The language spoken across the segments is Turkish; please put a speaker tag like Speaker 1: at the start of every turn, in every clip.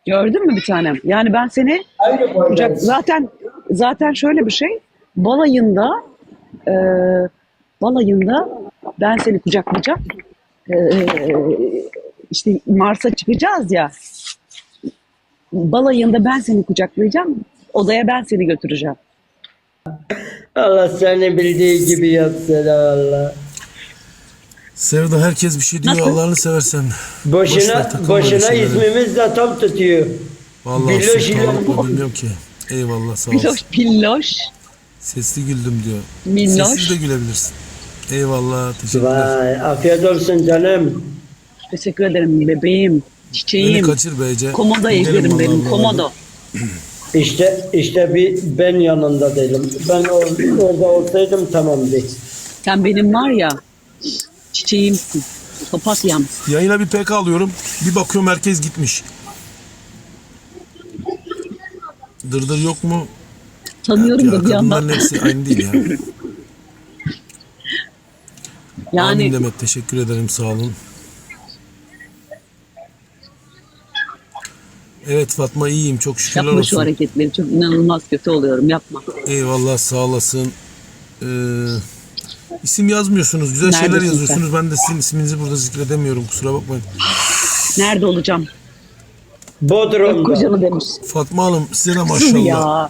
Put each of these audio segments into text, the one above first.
Speaker 1: Gördün mü bir tanem? Yani ben seni
Speaker 2: Aynı
Speaker 1: kucak
Speaker 2: boydayız.
Speaker 1: zaten şöyle bir şey. Balayında e, balayında ben seni kucaklayacağım. E, işte Mars'a çıkacağız ya. Balayında ben seni kucaklayacağım. Odaya ben seni götüreceğim.
Speaker 2: Allah seni bildiği gibi yapsın Allah.
Speaker 3: Sevda herkes bir şey diyor
Speaker 1: Nasıl?
Speaker 3: Allah'ını seversen. Boş ver
Speaker 2: Boşuna
Speaker 3: takılma öyle
Speaker 2: boşuna
Speaker 3: şeylere.
Speaker 2: ismimiz de tam tutuyor.
Speaker 3: Vallahi
Speaker 2: Billoş ile
Speaker 3: sultanlık mı bilmiyorum ki. Eyvallah sağ olsun.
Speaker 1: Piloş, pilloş,
Speaker 3: Sesli güldüm diyor. Sessiz de
Speaker 1: minnoş.
Speaker 3: gülebilirsin. Eyvallah teşekkürler.
Speaker 2: Vay afiyet olsun canım.
Speaker 1: Teşekkür ederim bebeğim,
Speaker 3: Beni
Speaker 1: çiçeğim.
Speaker 3: kaçır beyce.
Speaker 1: Komodo
Speaker 3: Gidelim
Speaker 1: ejderim
Speaker 3: vallahi
Speaker 1: benim,
Speaker 3: buralarda.
Speaker 1: komodo.
Speaker 2: İşte bir ben yanında değilim. Ben orada olsaydım tamamdı.
Speaker 1: Sen benim var ya, çiçeğimsin, papatyam.
Speaker 3: Yayına bir PK alıyorum. Bir bakıyorum herkes gitmiş. Dırdır yok mu?
Speaker 1: Tanıyorum
Speaker 3: Ya
Speaker 1: da bir
Speaker 3: kadınların
Speaker 1: yandan.
Speaker 3: hepsi aynı değil ya. Amin
Speaker 1: Yani
Speaker 3: Demet teşekkür ederim sağ olun. Evet Fatma iyiyim çok şükürler
Speaker 1: yapma şu
Speaker 3: olsun.
Speaker 1: hareketleri, çok inanılmaz kötü oluyorum, yapma.
Speaker 3: Eyvallah sağ olasın. İsim yazmıyorsunuz. Güzel şeyler
Speaker 1: Neredesin
Speaker 3: yazıyorsunuz. Ben de sizin isminizi burada zikredemiyorum. Kusura bakmayın.
Speaker 1: Nerede olacağım? Öp
Speaker 2: Bodrum'da.
Speaker 1: kocanı demiş.
Speaker 3: Fatma Hanım size de
Speaker 1: Kızım
Speaker 3: maşallah.
Speaker 1: ya.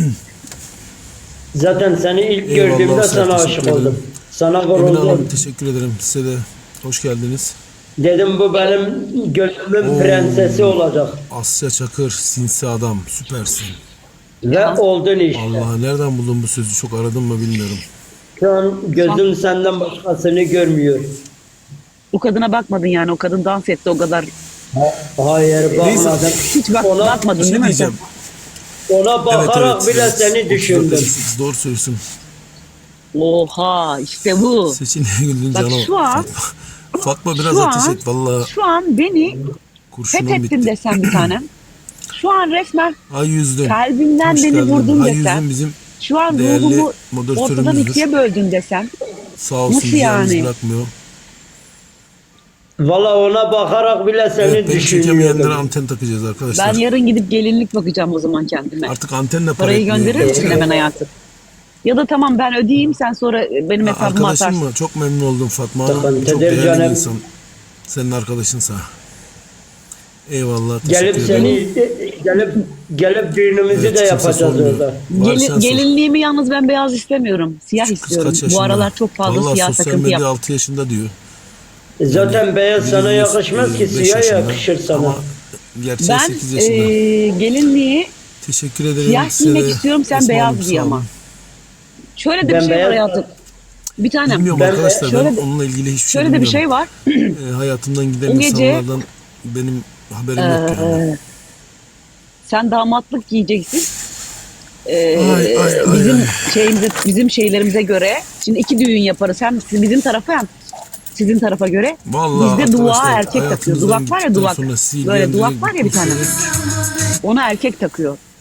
Speaker 2: Zaten seni ilk
Speaker 3: Eyvallah,
Speaker 2: gördüğümde
Speaker 3: sağ
Speaker 2: sana
Speaker 3: teşekkür
Speaker 2: aşık
Speaker 3: ederim.
Speaker 2: oldum. Sana
Speaker 3: Emine Hanım
Speaker 2: vuruldum.
Speaker 3: teşekkür ederim. Size de hoş geldiniz.
Speaker 2: Dedim bu benim gönlümün prensesi olacak.
Speaker 3: Asya Çakır sinsi adam. Süpersin.
Speaker 2: Ve oldun işte.
Speaker 3: Allah nereden buldun bu sözü? Çok aradım mı bilmiyorum.
Speaker 2: Şu an gözüm senden başkasını görmüyor.
Speaker 1: O kadına bakmadın yani, o kadın dans etti o kadar.
Speaker 2: Hayır bakmadım.
Speaker 1: Hiç bakmadın
Speaker 3: Bir
Speaker 1: değil
Speaker 3: şey
Speaker 1: mi?
Speaker 3: diyeceğim.
Speaker 2: Ona bakarak bile
Speaker 3: evet.
Speaker 2: seni
Speaker 3: 34,
Speaker 2: düşündüm.
Speaker 3: 58, doğru söylüyorsun.
Speaker 1: Oha işte bu.
Speaker 3: Seçin güldün
Speaker 1: Bak
Speaker 3: canım.
Speaker 1: şu an-
Speaker 3: Fatma biraz
Speaker 1: Şu
Speaker 3: ateş
Speaker 1: an,
Speaker 3: et. Valla
Speaker 1: şu an beni
Speaker 3: kurşunum
Speaker 1: fethettin
Speaker 3: bitti.
Speaker 1: desem bir tanem. Şu an resmen
Speaker 3: Ay yüzdün.
Speaker 1: kalbimden
Speaker 3: Hoş
Speaker 1: beni
Speaker 3: geldin.
Speaker 1: vurdun
Speaker 3: Ay
Speaker 1: desem.
Speaker 3: yüzdün bizim
Speaker 1: Şu an
Speaker 3: değerli
Speaker 1: ruhumu ortadan
Speaker 3: moderatörümüzdür.
Speaker 1: ikiye böldün desem.
Speaker 3: Sağ olsun
Speaker 1: Nasıl
Speaker 3: bizi yalnız
Speaker 1: yani?
Speaker 3: bırakmıyor.
Speaker 2: Valla ona bakarak bile seni
Speaker 3: Evet beni çekemeyenlere
Speaker 2: düşünüyordum.
Speaker 3: anten takacağız arkadaşlar.
Speaker 1: Ben yarın gidip gelinlik bakacağım o zaman kendime.
Speaker 3: Artık antenle para
Speaker 1: Parayı
Speaker 3: etmiyor.
Speaker 1: gönderir misin hemen hayatım? Ya da tamam ben ödeyeyim, sen sonra benim hesabıma
Speaker 3: Arkadaşım
Speaker 1: atarsın.
Speaker 3: mı? Çok memnun oldum Fatma Hanım.
Speaker 2: Sıkıntıdır
Speaker 3: Çok değerli bir
Speaker 2: canım.
Speaker 3: insan. Senin arkadaşınsa. Eyvallah.
Speaker 2: Gelip
Speaker 3: Teşekkür ederim.
Speaker 2: gelip düğünümüzü
Speaker 3: Evet,
Speaker 2: de
Speaker 3: kimse
Speaker 2: yapacağız
Speaker 3: sormuyor.
Speaker 2: orada.
Speaker 3: Var sen sor.
Speaker 1: Gelinliğimi yalnız ben beyaz istemiyorum. Siyah
Speaker 3: Kız
Speaker 1: istiyorum.
Speaker 3: kaç yaşında?
Speaker 1: Bu aralar çok fazla
Speaker 3: Vallahi
Speaker 1: siyah
Speaker 3: sosyal
Speaker 1: takıntı
Speaker 3: medya
Speaker 1: yap.
Speaker 3: 6 yaşında diyor.
Speaker 2: Zaten beyaz sana
Speaker 3: Biri
Speaker 2: yakışmaz ki
Speaker 3: 5
Speaker 2: siyah
Speaker 3: yaşında.
Speaker 2: yakışır sana.
Speaker 3: Ama gerçeği
Speaker 1: Ben
Speaker 3: 8 yaşında.
Speaker 1: gelinliği
Speaker 3: Teşekkür ederim.
Speaker 1: siyah
Speaker 3: Size
Speaker 1: giymek
Speaker 3: de.
Speaker 1: istiyorum, sen
Speaker 3: Esma
Speaker 1: beyaz
Speaker 3: Hanım,
Speaker 1: giy
Speaker 3: sağ
Speaker 1: ama.
Speaker 3: olun.
Speaker 1: Şöyle de bir
Speaker 2: Ben
Speaker 1: şey var
Speaker 2: beyaz-
Speaker 1: hayatım. Bir tanem.
Speaker 3: Bilmiyorum
Speaker 2: Ben-
Speaker 3: arkadaşlar
Speaker 1: şöyle
Speaker 3: ben
Speaker 1: de-
Speaker 3: onunla ilgili hiçbir şey
Speaker 1: Şöyle de bir
Speaker 3: bilmiyorum.
Speaker 1: şey var.
Speaker 3: Hayatımdan giden
Speaker 1: O gece-
Speaker 3: insanlardan benim haberim yok yani.
Speaker 1: Sen damatlık giyeceksin.
Speaker 3: Ay,
Speaker 1: Bizim
Speaker 3: ay.
Speaker 1: bizim şeylerimize göre. Şimdi iki düğün yaparız. Hem bizim tarafa hem sizin tarafa göre.
Speaker 3: Vallahi
Speaker 1: Bizde dua
Speaker 3: arkadaşlar,
Speaker 1: erkek takıyor.
Speaker 3: hayatımızdan
Speaker 1: Duvak var ya
Speaker 3: gittikten
Speaker 1: duvak.
Speaker 3: sonra sizi
Speaker 1: Böyle duvak
Speaker 3: ilgilendirecek
Speaker 1: var ya bir tane.
Speaker 3: kimseyi-
Speaker 1: Ona erkek takıyor.